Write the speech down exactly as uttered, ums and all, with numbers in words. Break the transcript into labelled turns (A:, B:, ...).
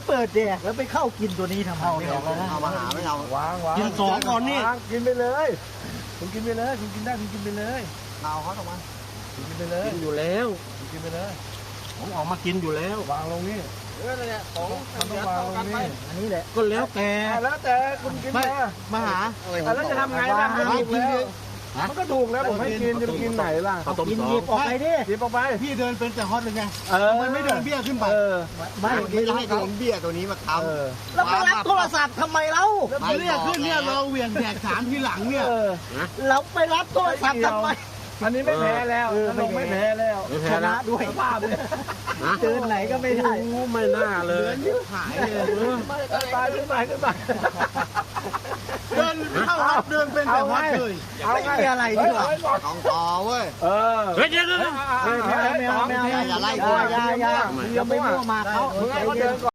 A: เปิดแดกแล้วไปเข้ากินตัวนี้ทำไม
B: เอาเดี๋ยวเอามาหาไม่เราวางวาง
A: กินสองก่อนนี่
B: กินไปเลยคุณกินไปเลยคุณกินได้คุณกินไปเลยเอาเขาออกมาคุณกินไปเลย
A: กินอยู่แล้ว
B: คุณกินไปเลย
A: ผมออกมากินอยู่แล้ว
B: วางลงนี่เออเนี่ยของมันต้องวางลงนี่
A: อันนี้แหละก็แล้วแต่
B: แล้วแต่คุณกินมา
A: มาหา
B: แล้วจะทำไงล่ะมันถูกแล้วมันก็ถูกแล้วผมให้กินจะกินไหนล่ะ
A: เอากินหยิบออกไปดิ
B: หยิบออกไป
C: พี่เดินเป็นแต่ฮอตเลยไง
B: เออ
C: มันไม่เดินเบี้ยขึ้นไป
B: เออ
A: ไม่
B: ไม่
A: ไม่
B: ให้โดนเบี้ยตัวนี้มาทำ
A: แล้วไปรับโทรศัพท์ทำไมเล่า
C: แล้วเรียกขึ้นเนี่ยเราเหวี่ยงแดกสามทีหลังเนี่ย
A: เราไปรับโทรศัพท์ทำไม
B: อันนี้ไม่แพ้แล้วลงไม่แพ้แล้ว
A: ชนะด้วยภาพเลยเดินไหนก็ไม่ได้ไม่น่าเลย
C: หายเลย
B: ตายขึ้นไปขึ้นไป
C: เดินเข้าวัดเดินเป็นแต่ฮอตเลย
A: ไม่มีอะไรดีกว่า
B: ของต่อเว้ยเออ
A: เฮ้ยเดี๋ยวเดี๋ยวไม่เอาไม่เอาไม่เอาอย่าไล่อย่าอย่าอย่าอย่าไปมั่วมาเขา
B: มึงให้เขาเดินก่อน